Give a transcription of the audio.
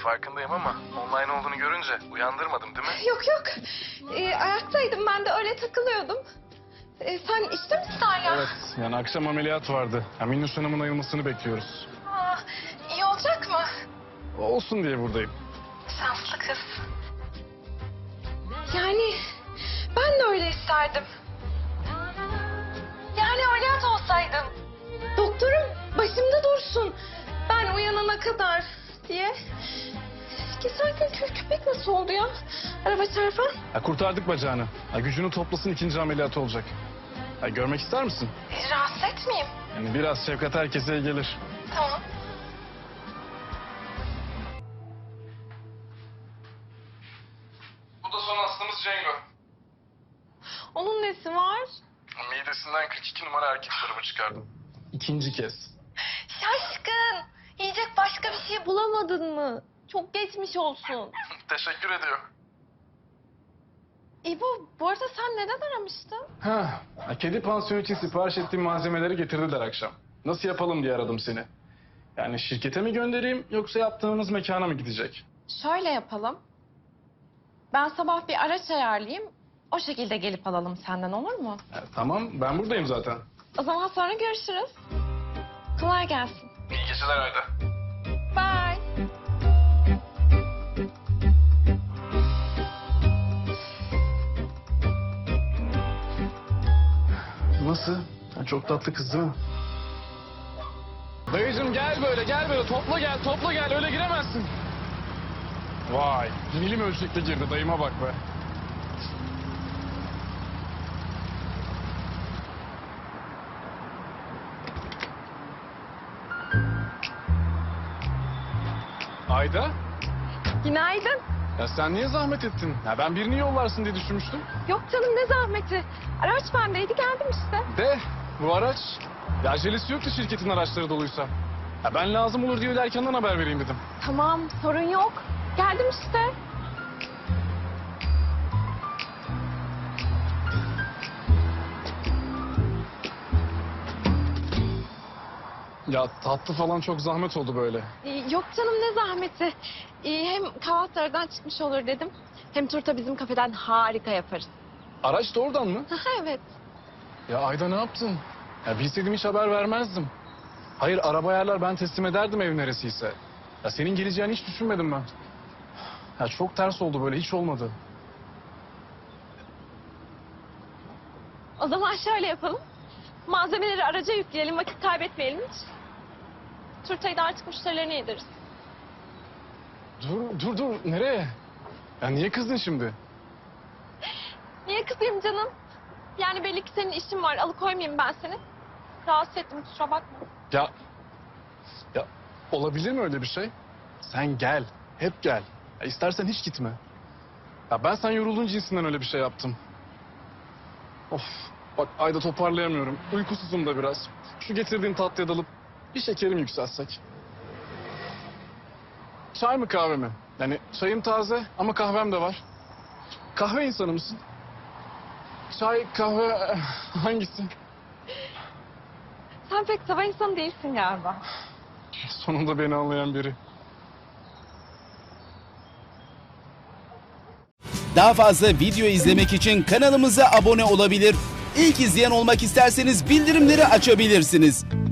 farkındayım ama online olduğunu görünce uyandırmadım değil mi? Yok yok. Ayaktaydım ben de öyle takılıyordum. Sen işte misin hala? Evet, yani akşam ameliyat vardı. Minnoş Hanım'ın ayılmasını bekliyoruz. Aa, iyi olacak mı? Olsun diye buradayım. Şanslı kız. Yani ben de öyle isterdim. Yani ameliyat olsaydım. Doktorum başımda dursun. Ben uyanana kadar diye. Geçen gün kül köpek nasıl oldu ya? Araba çarpan. Kurtardık bacağını. Gücünü toplasın, ikinci ameliyatı olacak. Görmek ister misin? Rahatsız etmeyeyim. Yani biraz şefkat herkese iyi gelir. Tamam. Bu da son hastamız Cengo. Onun nesi var? Midesinden 42 numara erkek tarafı çıkardım. İkinci kez. Şaşkın. Yiyecek başka bir şey bulamadın mı? Çok geçmiş olsun. Teşekkür ediyor. İbo, bu arada sen neden aramıştın? Kedi pansiyonu için sipariş ettiğim malzemeleri getirdiler akşam. Nasıl yapalım diye aradım seni. Yani şirkete mi göndereyim yoksa yaptığımız mekana mı gidecek? Şöyle yapalım. Ben sabah bir araç ayarlayayım. O şekilde gelip alalım senden, olur mu? Tamam, ben buradayım zaten. O zaman sonra görüşürüz. Kolay gelsin. İyi geceler Ayda. Bye. Nasıl? Çok tatlı kız değil mi? Dayıcım gel böyle. Topla gel. Öyle giremezsin. Vay, milim ölçekte girdi. Dayıma bak be. Ayda? Günaydın. Ya sen niye zahmet ettin? Ya ben birini yollarsın diye düşünmüştüm. Yok canım, ne zahmeti. Araç bendeydi, geldim işte. De bu araç, ya acelesi yoktu şirketin araçları doluysa. Ya ben lazım olur diye erkenden haber vereyim dedim. Tamam, sorun yok. Geldim işte. Ya tatlı falan çok zahmet oldu böyle. Yok canım, ne zahmeti. Hem kahvaltılardan çıkmış olur dedim. Hem turta bizim kafeden harika yaparız. Araç da oradan mı? Evet. Ya Ayda ne yaptın? Ya bilseydim hiç haber vermezdim. Hayır araba ayarlar ben teslim ederdim ev neresiyse. Ya senin geleceğini hiç düşünmedim ben. Ya çok ters oldu böyle hiç olmadı. O zaman şöyle yapalım. Malzemeleri araca yükleyelim, vakit kaybetmeyelim hiç. Turtayı da artık müşterilerine yediririz. Dur nereye? Ya niye kızdın şimdi? Niye kızayım canım? Yani belli ki senin işin var, alıkoymayayım ben seni. Rahatsız ettim, kusura bakma. Ya olabilir mi öyle bir şey? Sen gel, hep gel. Ya istersen hiç gitme. Ya ben sen yorulduğun cinsinden öyle bir şey yaptım. Of, bak Ayda toparlayamıyorum. Uykusuzum da biraz. Şu getirdiğin tatlıya dalıp bir şekerim yükselsek. Çay mı kahve mi? Yani çayım taze ama kahvem de var. Kahve insanı mısın? Çay, kahve hangisi? Sen pek sabah insanı değilsin galiba. Sonunda beni anlayan biri. Daha fazla video izlemek için kanalımıza abone olabilir. İlk izleyen olmak isterseniz bildirimleri açabilirsiniz.